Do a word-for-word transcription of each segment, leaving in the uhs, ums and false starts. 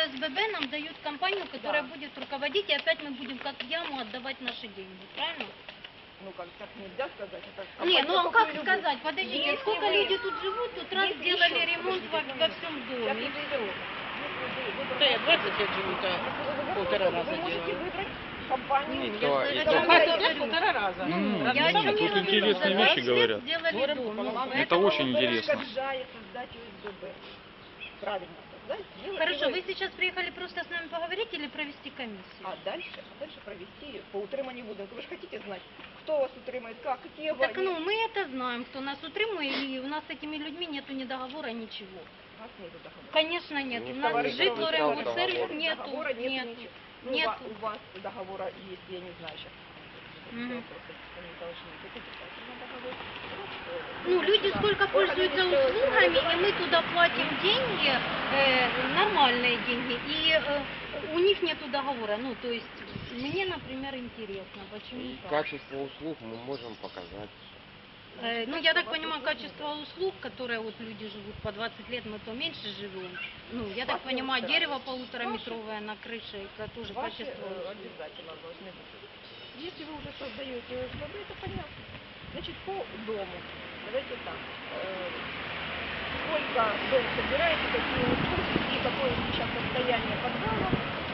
ОСББ нам дают компанию, которая да. будет руководить, и опять мы будем как в яму отдавать наши деньги, правильно? Ну как, так нельзя сказать. Это не, ну а как любовь. сказать? Подождите, если сколько вы... люди тут живут, тут раз сделали еще, ремонт во, во всем доме, и все. Да, я двадцать лет живу, то полтора раза Вы можете делаю. выбрать компанию. Ну, то, я, то, я, я полтора раза. Ну, раз я о чем тут говорю, интересные вещи говорят. Сделали дом, ну, это очень интересно. Создать ОСББ. Правильно. Да, Хорошо, вы сейчас приехали просто с нами поговорить или провести комиссию? А дальше, а дальше провести по утриманию будинку. Вы же хотите знать, кто вас утримает, как, какие аварии? Так, ну, мы это знаем, кто нас утримует, и у нас с этими людьми нету ни договора, ничего. У нас нету договора? Конечно, нет. Не У нас жит Лоренбург-сервис нету. Договора нет, нет. ничего. Ну, нет. у, у вас договора есть, я не знаю сейчас. Угу. Договор. Ну, люди сколько пользуются услугами, и мы туда платим деньги, э, нормальные деньги, и э, у них нету договора. Ну, то есть, мне, например, интересно, почему так. Качество услуг мы можем показать. Э, ну, я так понимаю, качество услуг, которые вот люди живут по двадцать лет, мы то меньше живем. Ну, я так понимаю, дерево полутораметровое на крыше, это тоже качество. Обязательно должны быть. Если вы уже создаете ОСББ, это понятно. Значит, по дому. Давайте так. Э, сколько дом собираете, какие услуги и какое сейчас состояние подвала.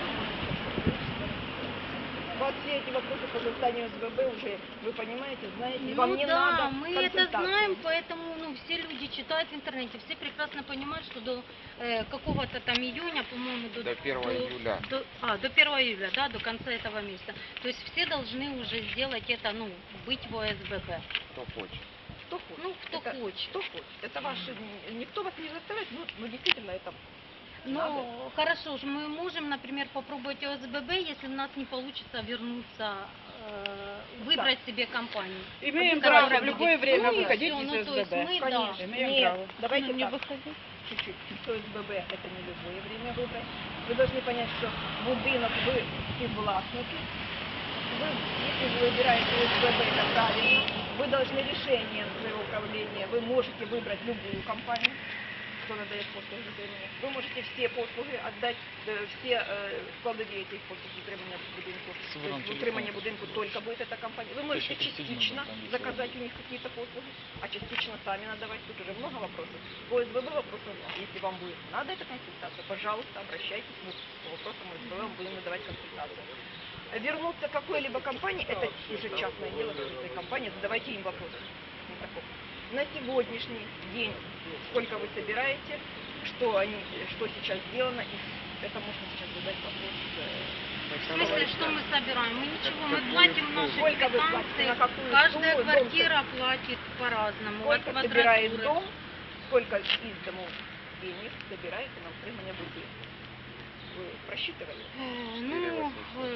Вот все эти вопросы по созданию ОСББ уже, вы понимаете, знаете, ну, вам не да, надо мы это знаем, поэтому ну, все люди читают в интернете, все прекрасно понимают, что до э, какого-то там июня, по-моему, до, до первого июля. До, а, до первого июля, да, до конца этого месяца. То есть все должны уже сделать это, ну, быть в ОСББ. Кто хочет. Кто хочет. Ну, кто это, хочет. Кто хочет. Это ваши, никто вас не заставляет, ну, ну действительно это... Ну, надо. Хорошо, мы можем, например, попробовать ОСББ, если у нас не получится вернуться, э, выбрать да. себе компанию. Имеем право в любое время ну, выходить из ну, ОСББ. Мы, Конечно. Да. Имеем Нет, право. Давайте ну, не так. выходить. Чуть-чуть. ОСББ это не любое время выбрать. Вы должны понять, что будинок вы співвласники. Вы, если вы выбираете ОСББ, это правильно. Вы должны решением своего управления, вы можете выбрать любую компанию, кто надает послуги утримания. Вы можете все послуги отдать, все э, складові этих послуг утримания будинку. Утримание будинку только будет эта компания. Вы можете частично заказать у них какие-то послуги, а частично сами надавать. Тут уже много вопросов. По ОСББ вопросов, если вам будет надо эта консультация, пожалуйста, обращайтесь. Мы по вопросам ОСББ вам будем надавать консультацию. Вернуться к какой-либо компании, это уже частное дело этой компании, задавайте им вопросы. На сегодняшний день, сколько вы собираете, что, они, что сейчас сделано, и это можно сейчас задать вопрос. В смысле, что мы собираем? Мы ничего, мы платим наши сколько вы платите, на какую каждая сумму, квартира дом, платит по-разному. Сколько собирает дом, сколько из домов денег собираете на утримание будинка. Вы просчитывали? Ну,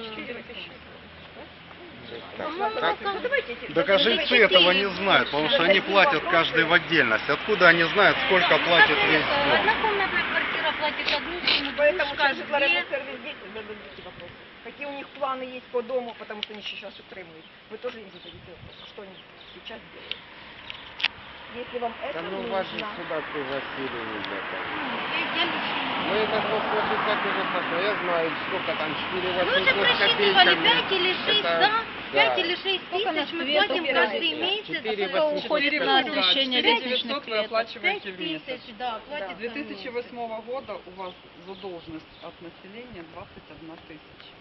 Так а жильцы этого не знают, потому что они платят каждый в отдельности. Откуда они знают, сколько платит весь дом? Однокомнатная квартира платит одну сумму, поэтому двушка, две. сервис здесь зададите вопросы. Какие у них планы есть по дому, потому что они сейчас утримуют. Вы тоже им зададите вопросы, что они сейчас делают. Если вам это да, ну, нужно... вас же сюда пригласили не для того. Ну, мы этот вопрос и так уже посмотрели. Я знаю, сколько там четыре восемьсот. Мы уже просчитывали пять или шесть, да? пять или шесть тысяч мы платим каждый месяц. Сколько уходит на освещение лестничных вы оплачиваете в месяц. Тысяч, да, С две тысячи восьмого года у вас задолженность от населения двадцать одна тысяча.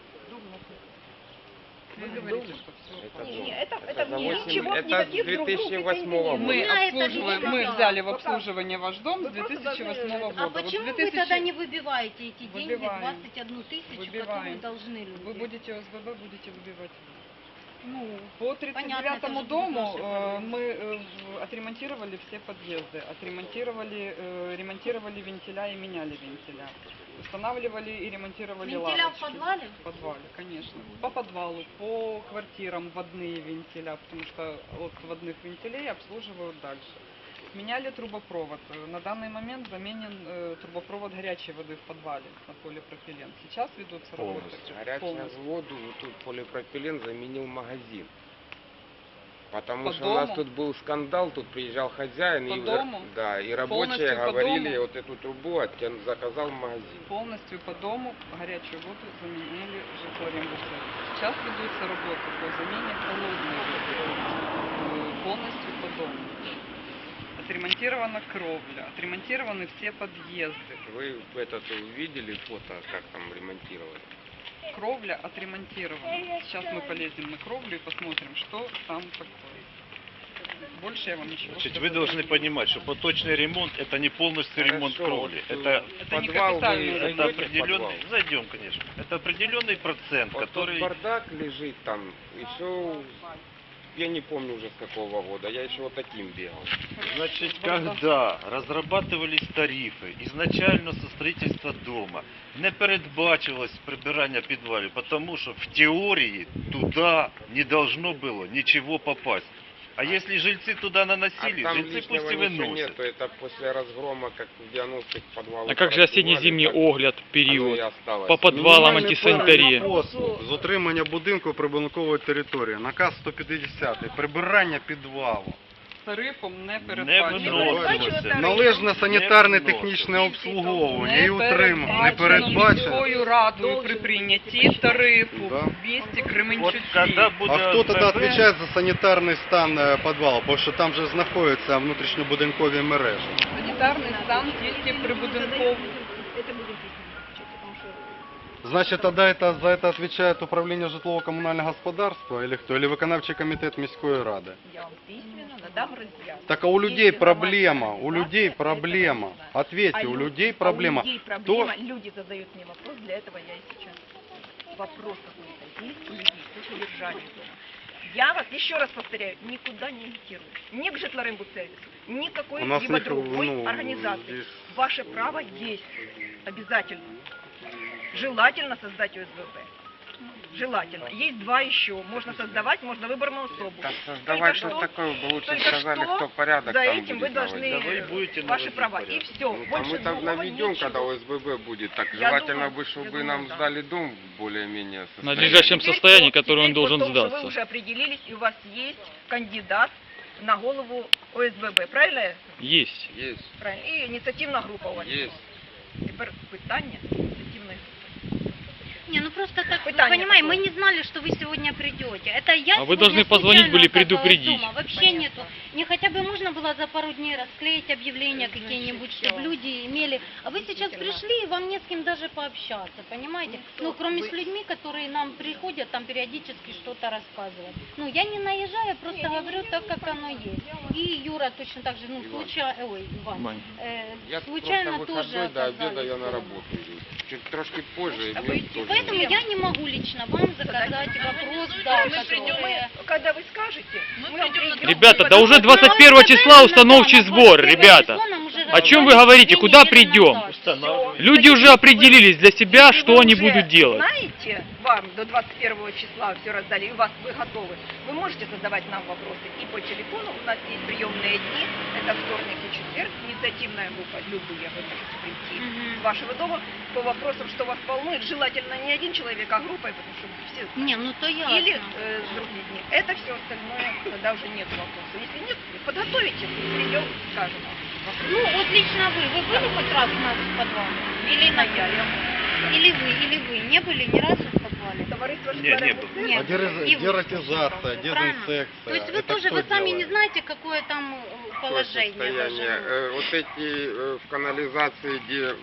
Вы говорите, что все это, не, не, это, это, это, ничего, это с две тысячи восьмого года. Мы, обслуживаем, мы да. взяли в обслуживание ваш дом с две тысячи восьмого года. А почему вот вы тогда не выбиваете эти деньги, Выбиваем. двадцать одну тысячу, Выбиваем. которые должны люди? Вы будете ОСББ, будете выбивать. Ну, по тридцать девятому дому э, мы э, отремонтировали все подъезды, отремонтировали, э, ремонтировали вентиля и меняли вентиля. Устанавливали и ремонтировали вентиля лавочки. в подвале? В подвале, конечно. По подвалу, по квартирам водные вентиля, потому что от водных вентилей обслуживают дальше. Меняли трубопровод. На данный момент заменен э, трубопровод горячей воды в подвале на полипропилен. Сейчас ведутся работы. Горячую воду, тут полипропилен заменил магазин. Потому По что у нас дому? тут был скандал, тут приезжал хозяин, По и, дому? да, и рабочие Полностью по говорили, дому? вот эту трубу оттян- заказал в магазин. Полностью по дому горячую воду заменили житлорембусы. Сейчас ведутся работы по замене холодной воды э, полностью по дому. Отремонтирована кровля, отремонтированы все подъезды. Вы этот увидели фото, как там ремонтировали? Кровля отремонтирована. Сейчас мы полезем на кровлю и посмотрим, что там такое. Больше я вам ничего Значит, сказать вы не должны буду. понимать, что поточный ремонт это не полностью ремонт Хорошо, кровли. вот, Это, Это не подвал, капитальный вы ремонт. это зайдете в определенный. подвал? Зайдем, конечно. Это определенный процент, Вот который. тот бардак лежит там, еще, я не помню уже с какого года, я еще вот таким бегал. Значит, когда разрабатывались тарифи изначально со строительства дома, не передбачилось прибирання підвалів, потому что в теории туда не должно было ничего попасть. А если жильцы туда А наносили, там жильцы лишнего пусть и ничего выносят. нету, это после разгрома, как в девяностых подвалах. А как же осенне-зимний огляд, период? По подвалам Мінімальний антисанітарія. перелік послуг з утримання будинку прибудинкової території. Наказ сто п'ятдесят. Прибирання підвалу. Тарифом не Не передбачено. виносилося. Належне санітарне Не технічне вносилось. обслуговування і утримання. Не передбачено передбачено. міською радою при прийнятті тарифу Да. в місті Вот Кременчуці. когда будет А хто тоді ОСББ, відповідає за санітарний стан е, підвалу? Бо що там же знаходяться внутрішньобудинкові мережі. Санітарний стан тільки прибудинковий. Это будем письменно отвечать, потому что Значит, тогда это, за это отвечает управление житлово-коммунального господарства или кто? Или виконавчий комітет міської ради? я вам письменно надам разъяснение. Так а у людей проблема, у людей проблема. Ответьте, у людей проблема. А у людей Кто- проблема, люди задают мне вопрос, для этого я и сейчас. Вопрос какой-то есть у людей по содержанию дома. Я вас еще раз повторяю, никуда не агитирую. Ни к житлорембудсервису, ни к У нас какой-либо их, другой ну, организации. здесь- Ваше право есть. Обязательно. Желательно создать ОСББ. Желательно. Есть два еще. Можно создавать, можно выборную особу. Так Только создавать что- что такое, бы лучше только сказали, что кто порядок за там этим вы будет должны наводить. Да вы будете ваши наводить права. порядок. И все. Ну, а Больше мы там другого наведем, ничего. когда ОСББ будет. Так Я желательно думаю, бы, я чтобы думаю, нам да. сдали дом более-менее На состоятельный. надлежащем Теперь состоянии, по- которое он теперь по должен тому, что сдаться. Вы уже определились, и у вас есть кандидат на голову ОСББ, правильно? я? Есть. Есть, Правильно. І ініціативна група у вас. есть. Тепер питання ініціативної групи. Не, ну просто так, вы Питание понимаете, какое? мы не знали, что вы сегодня придете. Это я А вы сегодня должны позвонить случайно были, оказалась предупредить. дома. Вообще Понятно. нету. Не хотя бы можно было за пару дней расклеить объявления Значит, какие-нибудь, всё. чтобы люди имели... А вы сейчас Действительно. пришли, и вам не с кем даже пообщаться, понимаете? Ну, Ну, кто кроме вы? с людьми, которые нам приходят, там периодически что-то рассказывать. Ну, я не наезжаю, я просто Не, не, говорю не, так, не, как понятно. оно есть. Я вас- И Юра точно так же, ну, Иван. случайно... Ой, Иван. Вань. Э, Я случайно просто тоже выходной до обеда оказались я на дома. работу иду. Чуть трошки позже, и А мне вы- тоже Поэтому не- я не могу лично вам заказать вопрос, да, Мы придем, который... мы, когда вы скажете, мы, вам придем. Ребята, Мы да уже потом- двадцать первого числа установчий сбор, ребята. О чем вы говорите? Куда придем? Устанавливаем. Люди уже определились для себя, Если что вы они уже будут делать. знаете, вам до двадцать первого числа все раздали, и у вас вы готовы, вы можете задавать нам вопросы и по телефону. У нас есть приемные дни, это вторник и четверг, инициативная группа, любые, вы можете прийти Мгм. с вашего дома по вопросам, что вас волнует, желательно не один человек, а группой, потому что все знают. Не, ну то ясно. Или э, с других дней. Это все остальное, тогда уже нет вопросов. Если нет, подготовите, придем, скажем вам. Ну, вот лично вы, вы были хоть раз у нас в подвале? Или на я, я. Или вы, или вы не были ни разу в подвале? Товариство Не, не Житомирский было. центр. Нет. А дерез- И вы дератизация, правильно. дезинсекция. То есть вы Это тоже, кто вы сами не делает? знаете, какое там э, Какое положение состояние? даже. Э, вот эти э, в канализации, где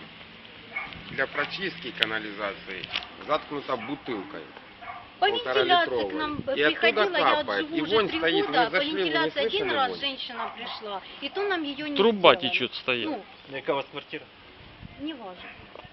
для прочистки канализации заткнута бутылкой. По вентиляции к нам полуторалитровой. И оттуда приходила, я капает. живу И уже вонь три стоит. года, Вы по зашли, вы не вентиляции один слышали раз вонь? женщина пришла, и то нам ее не Труба сделали. течет, стоит. Ну, Яка у вас квартира? не важно.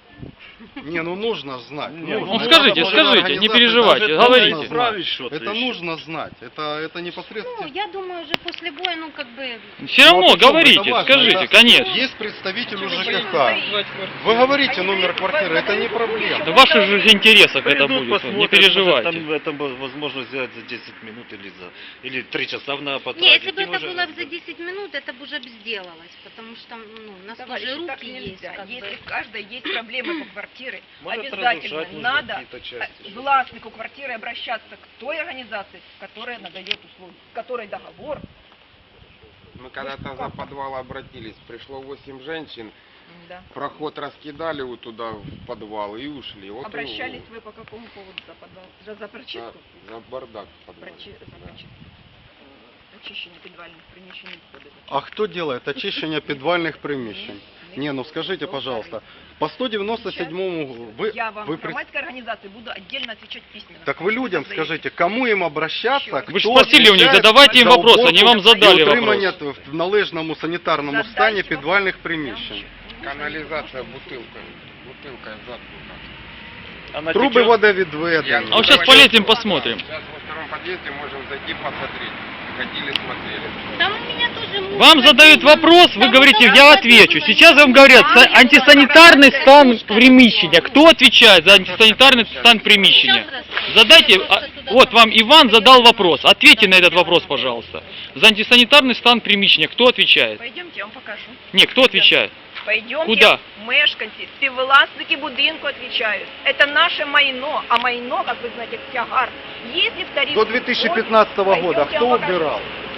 Не, ну нужно знать. Не, нужно. ну скажите, Это скажите, организация, не переживайте, это говорите. нужно Исправить знать. что-то Это еще. нужно знать. Это, это Ну, непосредственно. я думаю, уже после боя, ну, как бы... Все равно Ну, а почему? говорите, Это важно. скажите, Это- конечно. Есть представитель Почему ЖКХ. вы Вы говорите Они номер говорят, квартиры, вы- это не вы- проблема. Да в ваших же интересах это Придут, будет, посмотрят, не переживайте. может, Там это возможно сделать за десять минут или за или три часа на потратить. Не, если бы и это уже- было за десять минут, это бы уже бы сделалось, потому что, ну, у нас Товарищи, тоже так руки есть, нельзя. как Если бы. в каждой есть проблемы по квартире, квартиры, Может обязательно разрушать нужно надо какие-то части. э, властнику квартиры обращаться к той организации, которая надает услуги, с которой договор. Мы когда-то за подвал обратились, пришло восемь женщин, Да. проход раскидали вот туда в подвал и ушли. Вот и- Обращались вы по какому поводу за подвал? За, за за, прочистку? за бардак в подвале. Прочи- за Да. прочистку. Очищення підвальних приміщень відходів. А кто делает очищение подвальных примещений? Не, ну скажите, пожалуйста, по сто девяносто седьмому вы, Я вам, вы пред- громадской организации, буду отдельно отвечать письменно. так вы людям Заявите. скажите, кому им обращаться, Вы кто Вы же спросили у них, отвечает задавайте им за вопрос, они вам уборку задали и утримання вопрос. в належному санітарному Задайте стані вопрос. підвальних приміщень. Канализация бутылкой. Бутылкой заткнута. А на Труби течёт- водовідведення. А вот сейчас полезем, посмотрим. Сейчас во втором подъезде можем зайти посмотреть. Ходили, смотрели. Там у меня тоже муж Вам ходил, задают там вопрос, вы вот говорите, это я вот отвечу. было, Сейчас не вам говорят, знаю, са- антисанитарный стан приміщення. Кто отвечает за антисанитарный стан приміщення? Задайте, а, вот вам Иван задал вопрос. Ответьте на этот вопрос, пожалуйста. За антисанитарный стан приміщення кто отвечает? Пойдемте, я вам покажу. Не, кто отвечает? Пойдемте, Куда? мешканці, співвласники будинку отвечают. Это наше майно, а майно, как вы знаете, тягар. Если в тариф До две тысячи пятнадцатого года Пойдемте, я кто вам покажу. убирал?